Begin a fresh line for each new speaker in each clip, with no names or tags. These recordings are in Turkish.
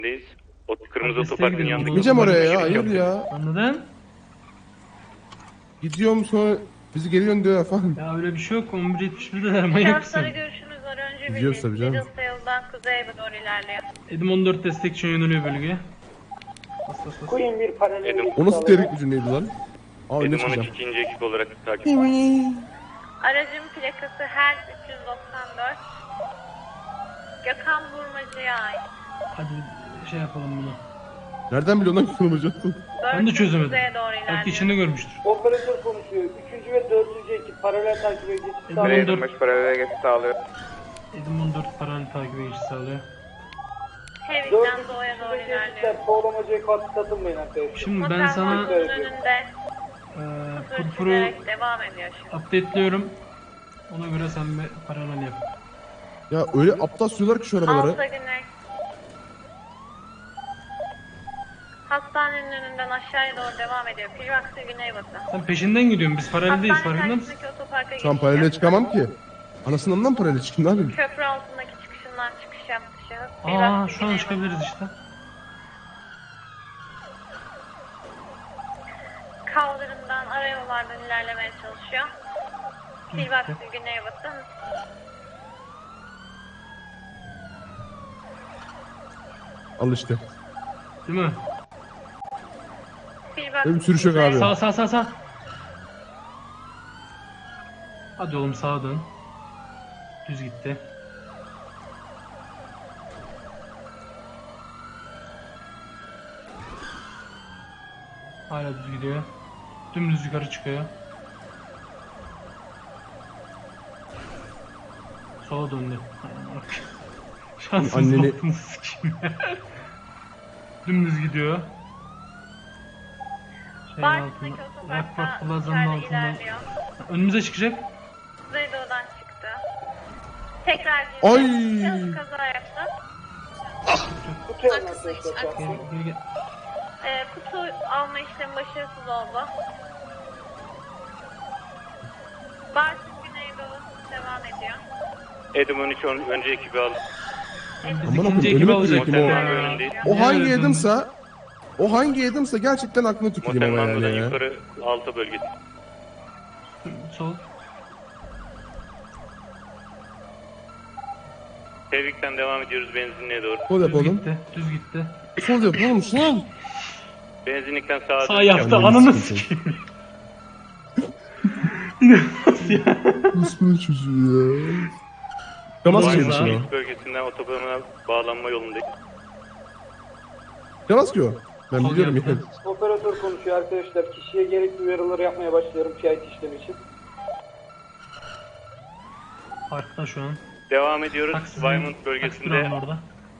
O kırmızı otoparkın yanındaki.
Gideceğim oraya ya, hayır ya.
Anladın?
Gidiyorum sonra bizi geliyorsun diyor falan.
Ya öyle bir şey yok. 11.71'de manyak
Şahıslara
mısın?
görüşünüz var. Önce
Gidiyoruz tabii canım.
Middles'ta yoldan kuzeye doğru ilerliyor.
Edim 14 destek için yöneliyor bölgeye. Bas bas bas.
Queen bir paralel
Edim.
O nasıl terik bir cümleydi lan? Aa önüne
Edim 13
çıkacağım.
ikinci ekip olarak takip.
Aracın plakası her 394. Gökhan Vurmacı'ya ait.
Hadi şey yapalım bunu.
Nereden biliyorsun lan kırmayacaktın?
Ben de çözemedim.
Kuzeye doğru
Belki
ilerliyor.
içinde görmüştür.
Operatör konuşuyor. 3. ve 4. ekip paralel takip geçiş
Edim
sağlıyor.
14
paralel geçiş sağlıyor.
Edim 14 paralel takip geçiş sağlıyor.
Heavy'den doğuya doğru
4.
ilerliyor.
ekipler kovalamacaya katılmayın arkadaşlar.
Şimdi ben
Motel
sana
Mountain'ın önünde
purpuru
sürükleyerek devam ediyor şimdi.
update'liyorum. Ona göre sen bir paralel yap.
Ya öyle aptal sürüyorlar ki şu arabaları.
Alta güney. Hastanenin önünden aşağıya doğru devam ediyor. Pilvaks'ı güneybatı.
Sen peşinden gidiyorsun. Biz paraleldeyiz, farkında mısın?
karşısındaki otoparka
Şu an
geçiş
paralele
yaptı.
çıkamam ki. Anasından mı paralele çıkayım, ne yapayım?
Köprü altındaki çıkışından çıkış yaptı şahıs.
Aa
Pilvaks'ı
şu an
güneybatı.
çıkabiliriz işte.
Kaldırımdan arayollardan ilerlemeye çalışıyor. Pilvaks'ı güneybatı.
Al işte.
Değil mi?
Benim sürüş yok abi.
Sağ sağ sağ sağ. Hadi oğlum sağa dön. Düz gitti. Hala düz gidiyor. Dümdüz yukarı çıkıyor. Sola döndü. Şansınız
Anneni-
baktınız sikeyim. Dümdüz gidiyor. Şeyin
Bartın'daki
altında.
otoparkta
Rockport Plaza'nın
içeride
altında.
ilerliyor.
Önümüze çıkacak.
Kuzeydoğu'dan çıktı. Tekrar
Ay!
şahıs kaza yaptı.
Tutuyorum
Arkası
arkadaşlar.
için,
şu an.
Gel, gel, gel.
Kutu alma işlemi başarısız oldu. Bartın Güneydoğu devam ediyor.
Edim 13 önce ekibi al.
Biz
Aman
ikinci
okuyayım,
ekibi
önüme
alacaktık
tüküreyim
Motel
o.
ya.
önündeyiz.
O
Niye
hangi
öyle döndün?
Adam'sa, o hangi Adam'sa gerçekten aklına tüküreyim
Motel
ama
Mango'dan
yani ya.
yukarı altı bölgesi.
Sol.
Tebrikten devam ediyoruz benzinliğe doğru.
Sol yap
Düz
oğlum.
gitti. Düz gitti.
Sol yap oğlum, sol.
Benzinlikten sağa
Sağ
dön.
yaptı.
Anneni
Ananı
sikeyim.
sikeyim. İnanılmaz ya.
Nasıl bir çocuğu ya? Yamas
Vay
ki
be.
şimdi o.
Bölgesinden otobana bağlanma yolundayız.
Yamas ki o. Ben
Sol
biliyorum
yaptı.
yani.
Operatör konuşuyor arkadaşlar. Kişiye gerekli uyarıları yapmaya başlıyorum PIT işlemi için.
Parkta şu an.
Devam ediyoruz.
Taksi
Vaymont
duralım
bölgesinde
orada.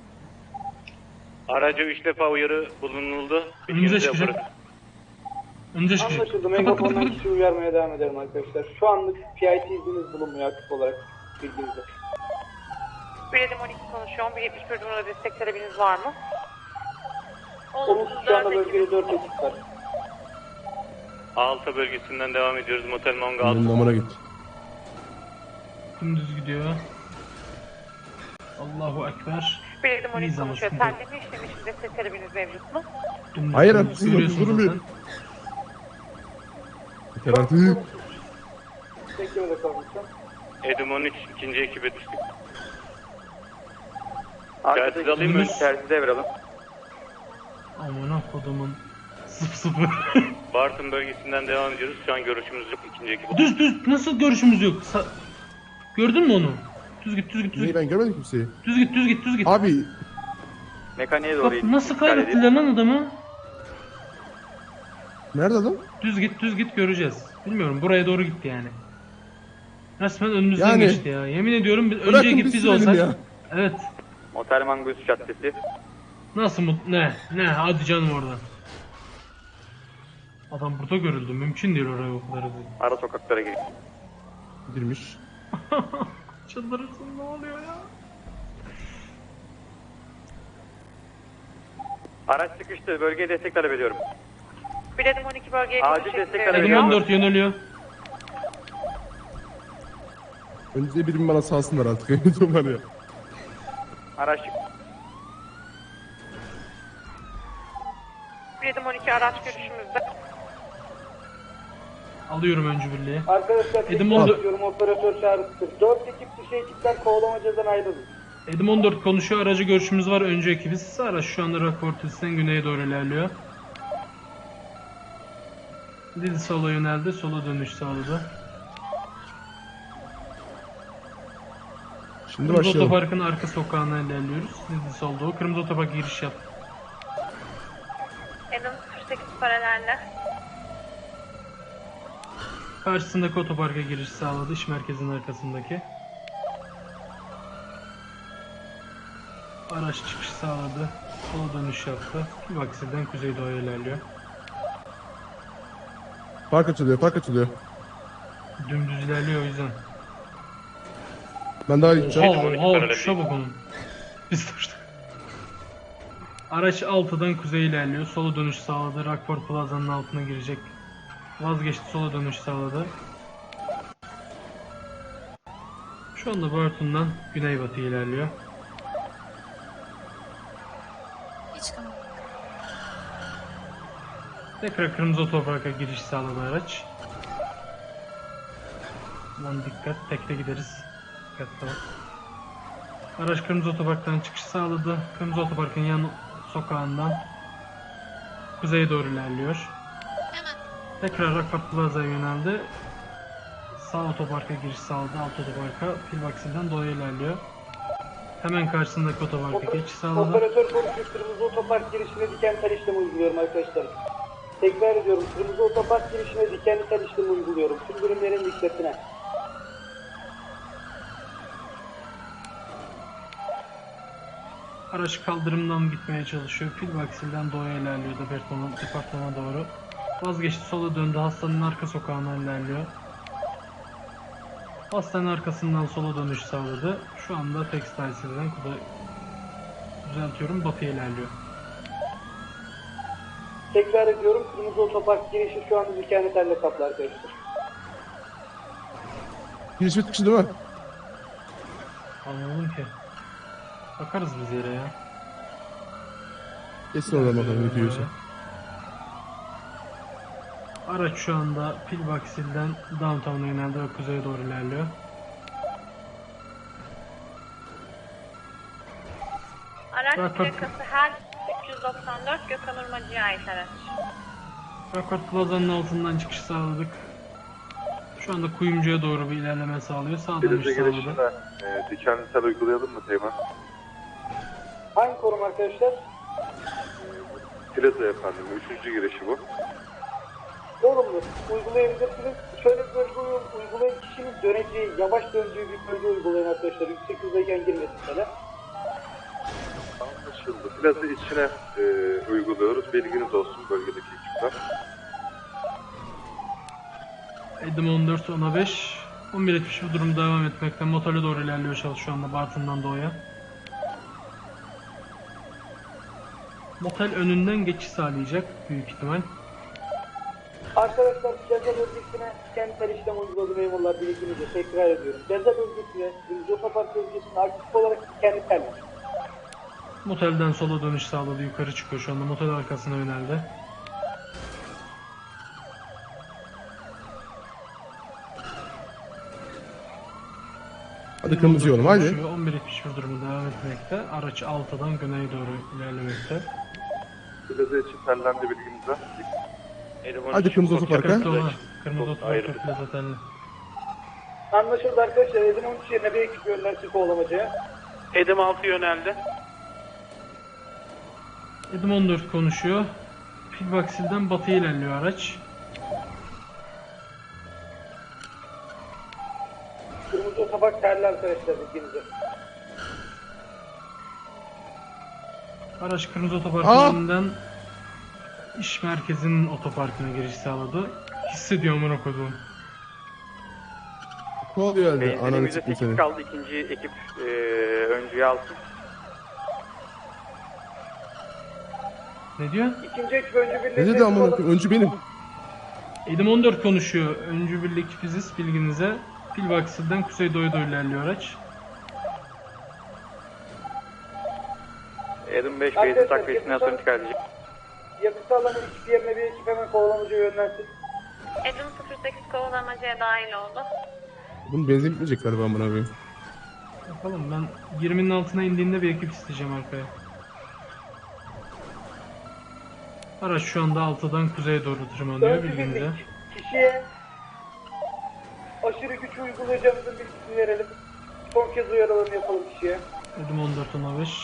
araca 3 defa uyarı bulunuldu.
Önümüze
Bilginize
çıkacak.
bırakın.
Önce çıkacak.
Anlaşıldı.
Kapat kapat
Megafondan
kapat.
kişi uyarmaya devam ederim arkadaşlar. Şu anlık PIT izniniz bulunmuyor aktif olarak bilginizde.
1.12 konuşuyor. 1.71 numara destek talebiniz var mı?
Olumsuz şu anda bölgede 4 ekip var.
Alta bölgesinden devam ediyoruz. Motel Mango
Benim
altı.
namına git.
Dümdüz gidiyor. Allahu Ekber.
1.12
İyi zaman,
konuşuyor.
sıkıntı yok.
Terleme işlemi için destek talebiniz mevcut mu?
Dümdüz.
Hayır
dümdüz
artık,
görüyorsun
durun bir.
zaten.
Yeter artık.
Beklemede kalın lütfen.
Edim 13 ikinci ekibe düştük. Telsiz alayım mı?
Dümdüz.
Telsiz devralım.
Amına kodumun. Sıfır.
Bartın bölgesinden devam ediyoruz. Şu an görüşümüz yok ikinci ekip.
Düz düz. Nasıl görüşümüz yok? Gördün mü onu? Düz git düz git düz
Neyi
git.
ben görmedim kimseyi.
Düz git düz git düz git.
Abi
Mekaniğe
Bak nasıl kaybettiler lan adamı?
nerede adam?
Düz git göreceğiz. Bilmiyorum buraya doğru gitti yani. Resmen önümüzden
Yani-
geçti ya. Yemin ediyorum
Bırakın
önce
biz
git biz
sürelim
olsak.
ya.
Evet.
Motel Mango üst caddesi.
Nasıl ne hadi canım oradan. Adam burada görüldü. Mümkün değil oraya o kadar hızlı.
Ara sokaklara giriyor.
Girmiş.
Çıldırırsın ne oluyor ya?
Araç çıkıştı. Bölgeye destek talep ediyorum.
1.12 bölgeye
Acil
konuş
destek
şeklinde
talebi
Edim
ediyorum.
14 yöneliyor.
Önce birim bana salsınlar artık. Öyle var ya.
Araç
Edim 12 araç görüşümüzde.
Alıyorum öncü birliği.
Arkadaşlar
Edim
tekrar
oldu.
ediyorum, operatör çağrısı. 4 ekip dışı ekipler kovalamacadan ayrılın.
Edim 14 konuşuyor. Aracı görüşümüz var. Öncü ekibiz. Araç şu anda Rockport'tan güneye doğru ilerliyor. Dil sola yöneldi. Sola dönüş sağladı.
Şimdi
Kırmızı
başlayalım.
otoparkın arka sokağına ilerliyoruz. Dil solda o. Kırmızı otopark giriş yap.
Edim 08 paralelde.
Karşısındaki otoparka giriş sağladı. İş merkezinin arkasındaki. Araç çıkış sağladı. Sola dönüş yaptı. Vaksilden kuzeydoğuya ilerliyor.
Park açılıyor, park açılıyor.
Dümdüz ilerliyor o yüzden.
Ben daha iyi gideceğim.
Oha tuşa bak onun. Biz tuştuk. Araç 6'dan kuzeye ilerliyor. Sola dönüş sağladı. Rockport Plaza'nın altına girecek. Vazgeçti, sola dönüş sağladı. Şu anda Burton'dan güneybatıya ilerliyor. Tekrar kırmızı otoparka giriş sağladı araç. Aman dikkat, tekte gideriz. Dikkatli ol. Araç kırmızı otoparktan çıkış sağladı. Kırmızı otoparkın yan sokağından kuzeye doğru ilerliyor. Tekrar Rockport Plaza'ya yöneldi. Sağ otoparka giriş sağladı. Alt otoparka Pilvaxil'den doğuya ilerliyor. Hemen karşısındaki otoparka geçiş sağladı.
Operatör konuşuyor. Kırmızı otopark girişine diken tel işlemi uyguluyorum arkadaşlar. Tekrar ediyorum. Kırmızı otopark girişine dikenli tel işlemi uyguluyorum. Tüm birimlerin dikkatine.
Araç kaldırımdan gitmeye çalışıyor. Pilvaxil'den doğuya ilerliyor departmana doğru. Vazgeçti, sola döndü. Hastanın arka sokağına ilerliyor. Hastanın arkasından sola dönüş sağladı. Şu anda Textiles'den düzeltiyorum, batıya ilerliyor.
Tekrar ediyorum. Kırmızı otopark girişi şu anda dikenli telle kaplı arkadaşlar.
Giriş bitmiş değil mi?
Anladım ki. Bakarız biz yere ya.
Geçsin oradan bakalım ne diyorsa.
Araç şu anda Pilvaxil'den downtown'a yöneldi ve kuzeye doğru ilerliyor.
Araç
Rockport-
plakası her 394 Gökhan Urmacı'ya ait araç.
Rockport Plaza'nın altından çıkış sağladık. Şu anda Kuyumcu'ya doğru bir ilerleme sağlıyor. Sağ dönüş
Denize
sağladı.
girişine dikenli tel uygulayalım mı Teğmen?
Hangi konum arkadaşlar?
Plaza efendim. 3. girişi bu.
Olumlu. Uygulayabilirsiniz. Şöyle bir bölge uygulayın. Kişinin döneceği, yavaş döndüğü bir bölge uygulayın arkadaşlar. Yüksek hızdayken girmesin falan.
Anlaşıldı. Plaza içine uyguluyoruz. Bilginiz olsun bölgedeki ekipler.
Edim 14, 10'a 5. 11.70 bu durum devam etmekte. Motele doğru ilerliyor şu anda Bartın'dan doğuya. Motel önünden geçiş sağlayacak büyük ihtimal.
Arkadaşlar plaza bölgesine kentsel işlem uyguladı memurlar bilginize. Tekrar ediyorum. Plaza bölgesine, Kırmızı otopark bölgesine aktif olarak kendi tel.
Motelden sola dönüş sağladı. Yukarı çıkıyor şu anda. Motel arkasına yöneldi.
Hadi kırmızı yolum haydi.
11.71 durumu devam etmekte. Araç 6'dan güneye doğru ilerlemekte.
Plaza için tellendi bilginize.
Hadi kırmızı otoparka.
Dikkatli olun. Kırmızı otoparka plaza telli.
Anlaşıldı arkadaşlar. Edim 13 yerine bir ekip yönlensin kovalamacaya.
Edim 6 yöneldi.
Edim 14 konuşuyor. Pilvaxil'den batıya ilerliyor araç.
Kırmızı otopark terli arkadaşlar bilginize.
Araç kırmızı otoparkın önünden iş merkezinin otoparkına giriş sağladı. Hissediyorum onu koduğum.
Kovalıyor elde. Ananı
Benzinimizde
çıktım
8
seni.
kaldı. İkinci ekip öncüye alsın.
Ne diyor?
İkinci ekip önce
Ne
birliğine
dedi amına koyayım? Öncü benim.
Edim 14 konuşuyor. Öncü birlik biziz bilginize. Pilvaxil'den kuzeydoğuya doğru ilerliyor araç.
Edim 5
Arkadaşlar,
benzin takviyesinden sonra intikal edecek.
Yakıt alanı hiçbir yerine bir ekip hemen kovalamacı yönlensin.
Edim 08 kovalamacaya dahil oldu.
Bunun benzin bitmeyecek galiba amına koyayım.
Bakalım ben 20'nin altına indiğinde bir ekip isteyeceğim arkaya. Araç şu anda 6'dan kuzeye doğru tırmanıyor
Öncü
bilginize.
birlik. Kişiye aşırı güç uygulayacağımızın bilgisini verelim. Son kez uyarılarını yapalım kişiye.
Edim 14-15.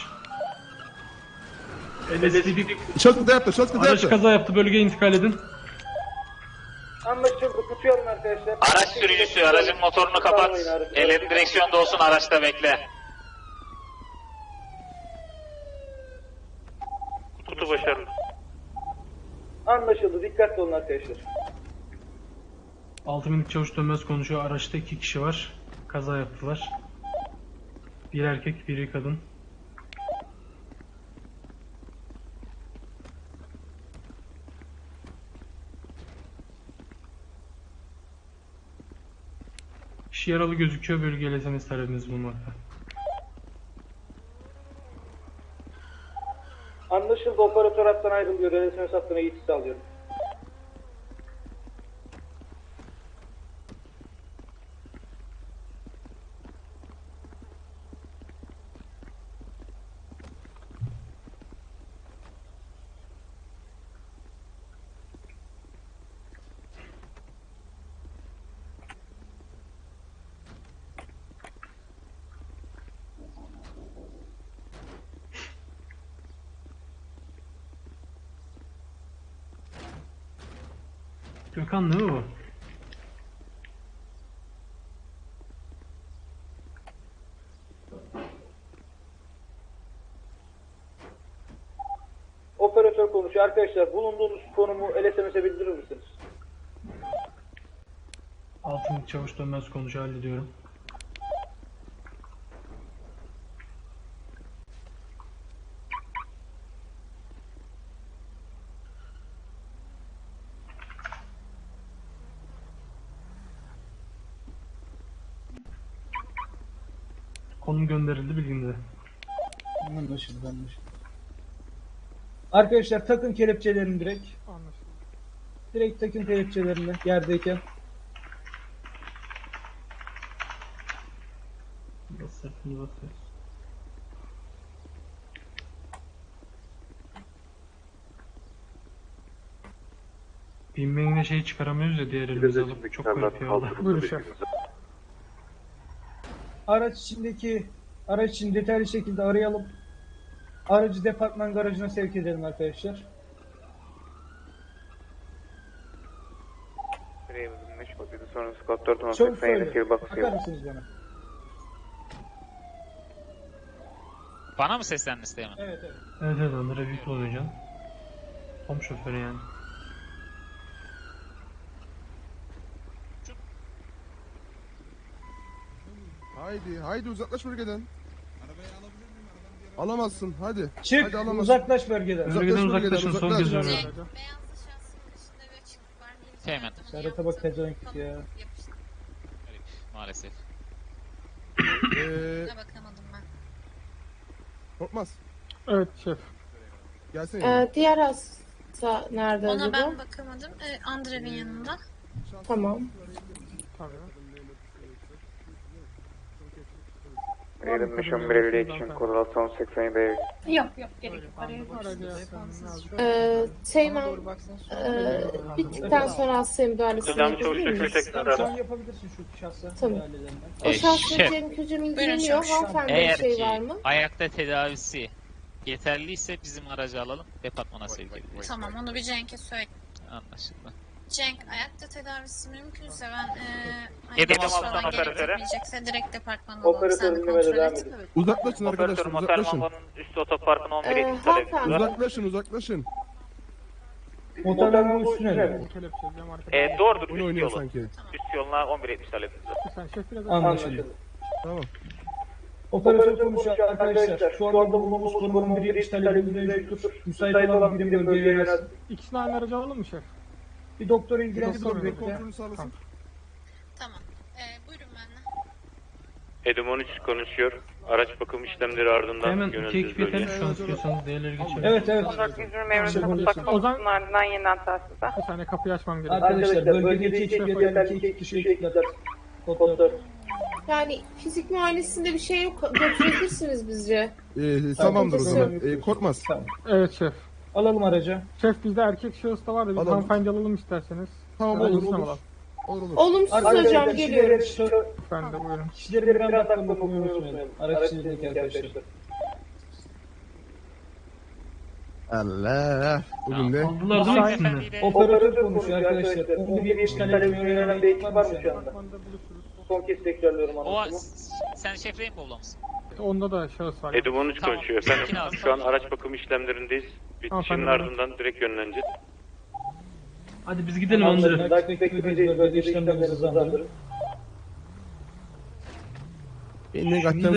LSPD
Şort kıta yaptı, şort kıta
araç
yaptı.
kaza yaptı, bölgeye intikal edin.
Anlaşıldı. Tutuyorum arkadaşlar.
Araç sürücüsü aracın motorunu kapat. Ellerin direksiyonda olsun, araçta bekle.
Kutu başarılı.
Anlaşıldı. Dikkatli olun arkadaşlar.
6 minik çavuş dönmez konuşuyor. Araçta 2 kişi var. Kaza yaptılar. Bir erkek, biri kadın. Kişi yaralı gözüküyor. Bölgeye SMS talebiniz bulunmakta.
Anlaşıldı. Operatör hattan ayrılıyor. RSMS hattına geçiş sağlıyorum.
Gökhan değil mi bu?
Operatör konuşuyor. Arkadaşlar bulunduğunuz konumu LSMS'e bildirir misiniz?
6 minik çavuş dönmez konuşuyor. Hallediyorum. Konum gönderildi bilginize.
Anlaşıldı. Arkadaşlar takın kelepçelerini direkt. Direkt takın kelepçelerini yerdeyken.
Basıyoruz. Binmeyine şey çıkaramıyoruz ya diğer elimize alıp çok garip ya Allah.
Buyurun şef.
Araç için detaylı şekilde arayalım. Aracı departman garajına sevk edelim arkadaşlar.
Sonrası kod 4
Çabuk söyle. Bakar mısınız bana?
Bana mı seslendin Süleyman?
Evet evet.
Evet evet onlara büyük olacaksın. Tom şoförü yani.
Haydi uzaklaş bölgeden. Alamazsın hadi.
Çık,
Hadi alamazsın.
uzaklaş bölgeden.
Bölgeden uzaklaşın, son
uzaklaş.
göz önüne.
Beyazlı şahsının dışında ve açık var.
Teğmen.
Serhat'a bak pezevenk ya.
Maalesef.
Bakamadım ben.
Korkmaz.
Evet şef.
Gelsene.
Diğer hasta nerede
Ona
acaba?
ben bakamadım. Andrev'in yanında.
Tamam.
Eğilim nişan 150 için kod 680
Yok gerek yok.
Teğmen, bittikten sonra hastaya müdahalesini
Hocam çavuş
yapabilir miyiz?
dökülü
Tamam, şu an
tekrar.
yapabilirsin şu şahsa.
Tamam.
müdahalelerinden.
O şahsın
şef.
Cem Kücüm
Buyurun
ilgileniyor.
şef.
Hanımefendiye
Eğer
bir şey
ki
var mı?
ayakta tedavisi yeterliyse bizim aracı alalım, departmana sevk edeceğiz.
Tamam onu bir Cenk'e söyle.
Anlaşıldı.
Cenk ayakta tedavisi mümkünse ben
Yedim
ayakta
alttan
falan
operatöre.
gerekmeyecekse direkt departmana alalım. Sen
Operatör
de
dinlemede
kontrol
devam
et.
edin.
Uzaklaşın
Operatör
arkadaşlar
motor
uzaklaşın.
mambanın üst otoparkın 11 etkisi talebimiz
Hanımefendi.
var.
Uzaklaşın.
Motorların üstüne mi?
Kelepçeleyeceğim arkadaşlar.
Doğrudur
Oyun
üst
oynuyor
yolun.
sanki.
Üst yoluna 11 etkisi talebimiz var.
Sen şef biraz
Anlaşıldı.
Tamam.
Operatör konuşuyor arkadaşlar. Şu anda bulunduğumuz konumun bir iş talebimiz mevcuttur. Müsait olan birim bölgeye yönelsin.
İkisini aynı aracı alalım mı şef?
Bir doktor ilgilensin
Doktor
birlikte.
Kontrolünü sağlasın.
Tamam. Buyurun benimle.
Edim 13 konuşuyor. Araç bakım işlemleri ardından
Hemen iki
yönelteceğiz
ekip yeterli
bölgeye.
şu an istiyorsanız diğerleri geçelim.
Evet evet.
14 120 emrinde mutlak
Ozan-
komutunun ardından yeniden telsize.
Bir saniye kapıyı açmam gerekiyor.
Arkadaşlar bölgedeki ekip yeterli 2 kişi ekipler. Kodlar.
Yani fizik muayenesinde bir şey yok. Götürebilirsiniz bizce.
Tamamdır o zaman.
Tamam.
Korkmaz.
Evet şef.
Alalım aracı.
Şef bizde erkek şahıs da var da biz
Alalım.
hanımefendi alalım isterseniz.
Tamam
Şöyle
olur
insan
olur.
alalım.
Olur.
Olumsuz hocam geliyorum.
Ben de buyurun.
Kişilerin bir anda aklına okumayı unutmayalım. Araç içindeki arkadaşlar.
Allah. Bugün de
Aldılar değil mi ikisini?
Operatör konuşuyor arkadaşlar. 11 işgal etmeye yönelen bir ekip var mı şu anda?
Departmanda buluşuruz.
Son kez tekrarlıyorum
O
anlaşımı.
sen şef Rainbow'la mısın?
Onda da şahıs var.
Edim 13
Tamam.
konuşuyor. Efendim
Tamam.
şu an araç bakım işlemlerindeyiz. Bitişinin
Tamam.
ardından direkt yönleneceğiz.
Hadi biz gidelim Andre.
Dakika bekleyeceğiz. Bölge işlemlerimizi hızlandırın.
beni kaçtan